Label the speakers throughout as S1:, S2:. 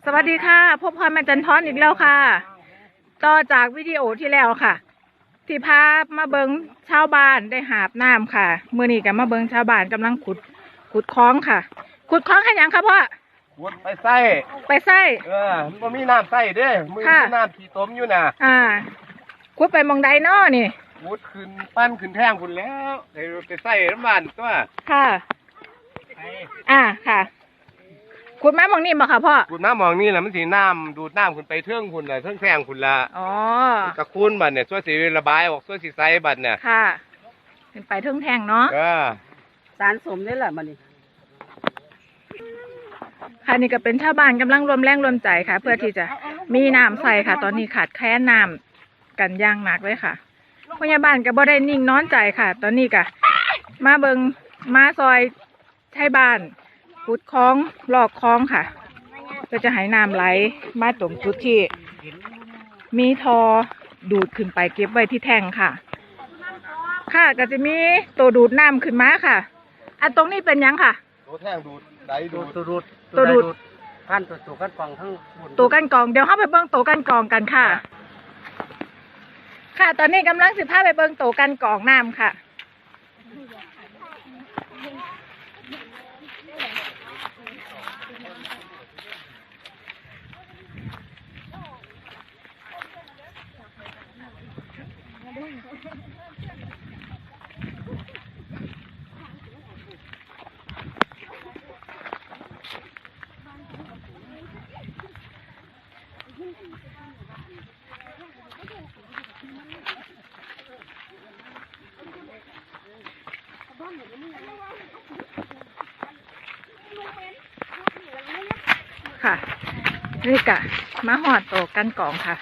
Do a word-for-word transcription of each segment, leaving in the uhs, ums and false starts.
S1: วัสดีค่ะพบพรแม่จันทร์อีกแล้วค่ะต่อจากวิดีโอที่แล้วค่ะที่พามาเบิงชาวบ้านได้หาบน้ำค่ะเมื่อนี้กับมาเบิงชาวบ้านกำลังขุดขุดคลองค่ะขุดคลองให้ยังครับพ่อ
S2: ขุดไปไส้
S1: ไปไส้
S2: เออมันมีน้ำไส้เด้มือมีน้ำขี้ต้มอยู่น่ะ
S1: อ่าขุดไปมองใดน้อนี่
S2: ขุดขึ้นปั้นขึ้นแท่งคุณแล้วไปไส้น้ำมันตัว
S1: ค่ะอ่าค่ะขุดมามองนี่มาค่ะพ่อ
S2: ขุดมามองนี่แหละมันสีน้ำดูดน้ำคุณไปเทื่องคุณเลยเทื่องแท่งคุณละ
S1: อ๋อ
S2: ตะคุณบัดเนี่ยช่วยสีระบายออกช่วยสีไส้บัดเนี่ย
S1: ค่ะขึ้นไปเทื่องแท่งเนาะ
S2: เออ
S3: สารสมนี่แหละมันนี่
S1: ค่ะนี่ก็เป็นชาวบ้านกำลังรวมแรงรวมใจค่ะเพื่อที่จะมีน้ำใส่ค่ะตอนนี้ขาดแคลนน้ำกันย่างหนักเลยค่ะพยาบาลก็บ่ได้นิ่งนอนใจค่ะตอนนี้ก็มาเบิงมาซอยใช้บ้านขุดคลองลอกคลองค่ะก็จะให้น้ำไหลมาตรงจุดที่มีทอดูดขึ้นไปเก็บไว้ที่แท่งค่ะค่ะก็จะมีตัวดูดน้ำขึ้นมาค่ะอันตรงนี้เป็นยังค่ะ
S2: ตัวแท่งดูดไดดูด
S3: ตัวดูด
S1: ตัวดูด
S3: ขั้นตัวตัวกันกองทั้ง
S1: ตัวกันกองเดี๋ยวเข้าไปเบิ้งตัวกันกองกันค่ะค่ะตอนนี้กำลังสิพาไปเบิ้งตัวกันกองน้ำค่ะค่ะนี่กะมาหอดโตกันกองค่ะ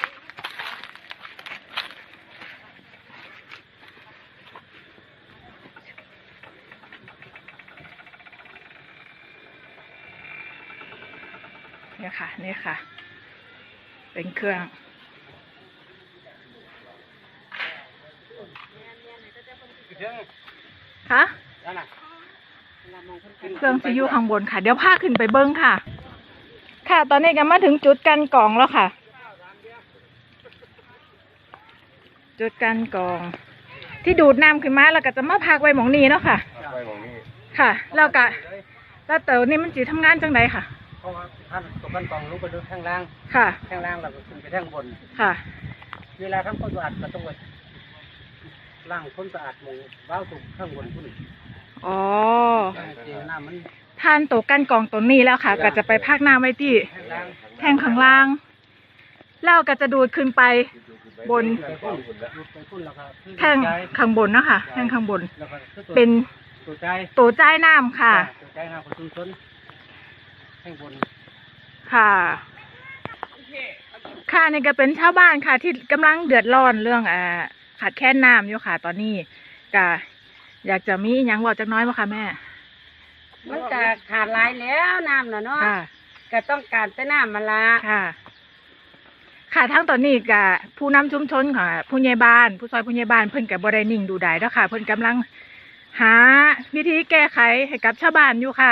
S1: นี่ค่ะนี่ค่ะเป็นเครื่องค่ะเครื่องจะอยู่ข้างบนค่ะเดี๋ยวพาขึ้นไปเบิ้งค่ะค่ะตอนนี้ก็มาถึงจุดกันกองแล้วค่ะจุดกันกองที่ดูดน้ำขึ้นมาแล้วก็จะมาพักไว้หมองนี้เนาะค่ะค่ะแล้วก็แล้วเต๋อนี่มันจีทำงานจังไดค่ะ
S3: เพราะว่าท่านตกกันกองลงไปดูข้างล่าง
S1: ค่ะ
S3: ข้างล่างเราขึ้นไปข้างบน
S1: ค่ะ
S3: เวลาทำความสะอาดก็ต้องไปล้างความสะอาดหมู่บ้าวถูกข้างบนพุ่น
S1: อ๋อ
S3: น้ำมัน
S1: ท่านตกกันกองตัวนี้แล้วค่ะก็จะไปพักน้ำไว้ที่แท่งข้างล่างแล้วก็จะดูดขึ้นไปบนแท่งข้างบนนะคะแท่งข้างบนเป็นตัวใจน้ำค่ะ
S3: ตัวใจน้ำของชุมชนแท่งบน
S1: ค่ะค่ะนี่ก็เป็นชาวบ้านค่ะที่กำลังเดือดร้อนเรื่องอ่าขาดแคลนน้ำอยู่ค่ะตอนนี้ก็อยากจะมีอย่างบอกจักน้อยมั้ยคะแม่
S3: มันจะขาดหลายแล้วน้ำน่ะเนาะก็ต้องการแต่น้ำมาละ
S1: ค่ะค่ะทั้งตอนนี้กับผู้นำชุมชนค่ะผู้ใหญ่บ้านผู้ซอยผู้ใหญ่บ้านเพิ่นกับบ่ได้นิ่งดูได้แล้วค่ะเพิ่นกำลังหาวิธีแก้ไขให้กับชาวบ้านอยู่ค่ะ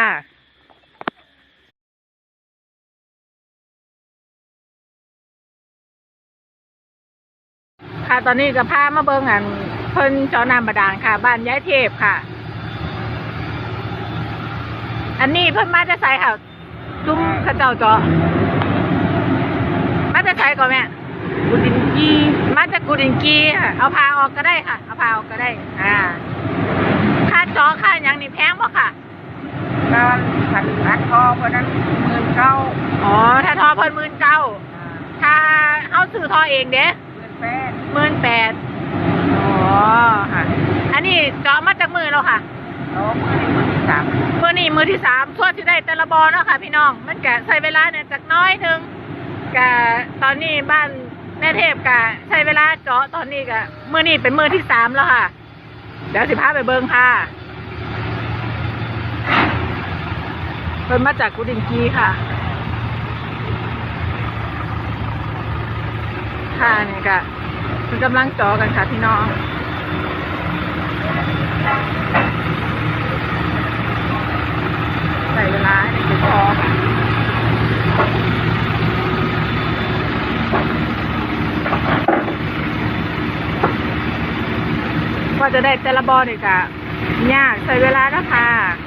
S1: ค่ะตอนนี้ก็พามาเบิ่งอันเพิ่นเจาะน้ำบาดาลค่ะบ้านย้ายเทพค่ะอันนี้เพิ่นมาจะใส่ค่ะซุ้มข้าเจ้าเจาะมาจะใส่ก่อนแม่กุดินกีมาจากกุดินกีค่ะเอาพาออกก็ได้ค่ะเอาพาออกก็ได้อ่าค่าเจาะค่าอย่างนี้แพงป่ะค่ะ
S3: การขัดขัดทอเพราะนั้นหมื่นเก้า
S1: อ๋อถ้าทอเพิ่นหมื่นเก้าถ้าเอาซื้อทอเองเด้หมื่นแปดอ๋อค่ะอันนี้เจาะมาจากมือแล้วค่ะ
S3: อ๋อมือนี้มือที่สาม
S1: มือนี่มือที่สามส่วนที่ได้แต่ละบอเนาะค่ะพี่น้องมันแกะใช้เวลาเนี่ยจากน้อยนึงกะตอนนี้บ้านแม่เทพกะใช้เวลาเจาะตอนนี้กะมือนี่เป็นมือที่สามแล้วค่ะเดี๋ยวสิพาไปเบิ้งค่ะเพิ่นมาจากกุดินกีค่ะค่ะนี่กะมันกำลังเจาะกันค่ะพี่น้อง ใส่เวลาให้ในกระเพาะว่าจะได้แต่ละบอนี่ก็ยากใช้เวลาแล้วค่ะ